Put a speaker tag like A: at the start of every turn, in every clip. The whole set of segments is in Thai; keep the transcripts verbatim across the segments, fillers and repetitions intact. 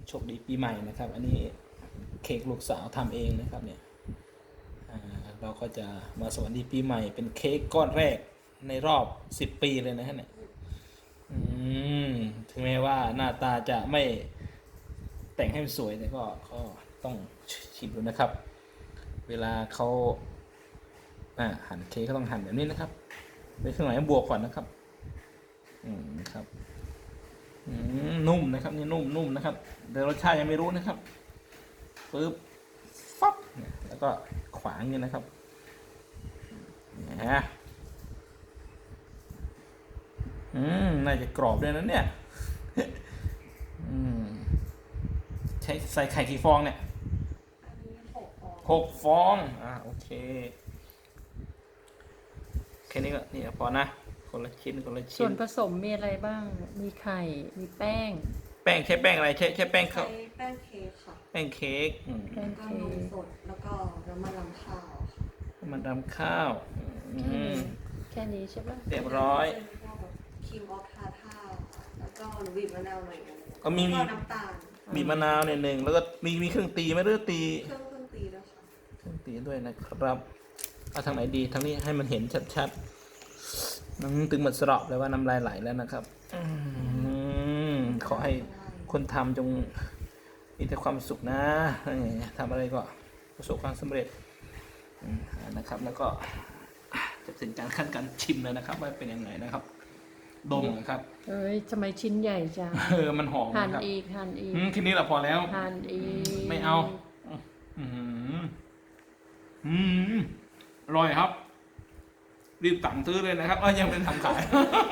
A: โชคดีปีใหม่นะครับ อันนี้เค้กลูกสาวทำเองนะครับเนี่ยเราก็จะมาสวัสดีปีใหม่เป็นเค้กก้อนแรกในรอบสิบปีเลยนะฮะเนี่ยถึงแม้ว่าหน้าตาจะไม่แต่งให้มันสวยแต่ก็ก็ต้องชิมดูนะครับ เวลาเขาอ่าหั่นเค้กก็ต้องหั่นแบบนี้นะครับในเครื่องหมายบวกก่อนนะครับอืมครับนุ่มนะครับนี่นุ่มนุ่มนะครับแต่รสชาติยังไม่รู้นะครับปึ๊บฟับแล้วก็ขวางอย่างนี้นะครับนะอืมน่าจะกรอบด้วยนะเนี่ยอืมใช้ใส่ไข่กี่ฟองเนี่ยหกฟองอ่าโอเคแค่นี้ก็นี่พอนะคนละชิ้นคนละชิ้น
B: ส่วนผสมมีอะไรบ้างมีไข่มีแป้ง
A: แป้งใช้แป้งอะไรใช้ใช้แป้งข้าว
C: ใช้แป้งเค้กค่ะ
A: แป้งเค้ก
B: แป้ง
C: ก็
B: เค้
C: นม
B: ก
C: สดแล้วก็น้ำมันรำข้าวค่ะ
A: มันทำข้าวอืม
B: แค่นี้ใช่ปะ
A: เรียบร้อย
C: เป็นพวกแบบครีมออฟทาท่าค่ะแล้วก็หนูบีบมะนาวหน่อยนึง
A: ก็มี
C: แล้วก็น้ำตาล
A: บีบมะนาวเนี่ยหนึ่งแล้วก็มีมีเครื่องตีไหมหรือตี
C: เครื่องเครื่องตีด้วยค่ะ
A: เครื่องตีด้วยนะครับเอาทางไหนดีทางนี้ให้มันเห็นชัดๆน้ำตึงหมดสระเลยว่าน้ำลายไหลแล้วนะครับอืมขอให้คนทำจงมีแต่ความสุขนะทำอะไรก็ประสบความสำเร็จนะครับแล้วก็จะถึงการขั้นการชิมเลยนะครับว่าเป็นยังไงนะครับดมนะครับ
B: เอ้ยทำไมชิ้นใหญ่จัง
A: เออมันหอม
B: หั่น
A: นะครับ
B: อีกหั่นอีก
A: ทีนี้เราพอแล้ว
B: หั่นอีก
A: ไม่เอาอืมอืมอร่อยครับรีบสั่งซื้อเลยนะครับเออยังเป็นทำขาย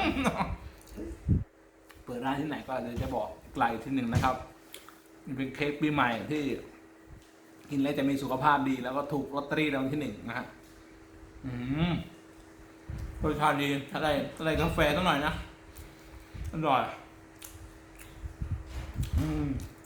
A: เปิดร้านที่ไหนก็เดี๋ยวจะบอกไกลที่หนึ่งนะครับมันเป็นเค้กปีใหม่ที่กินแล้วจะมีสุขภาพดีแล้วก็ถูกลอตเตอรี่รางวัลที่หนึ่งนะฮะอืมรสชาติดีถ้าได้ถ้าได้กาแฟสักหน่อยนะอร่อยอืม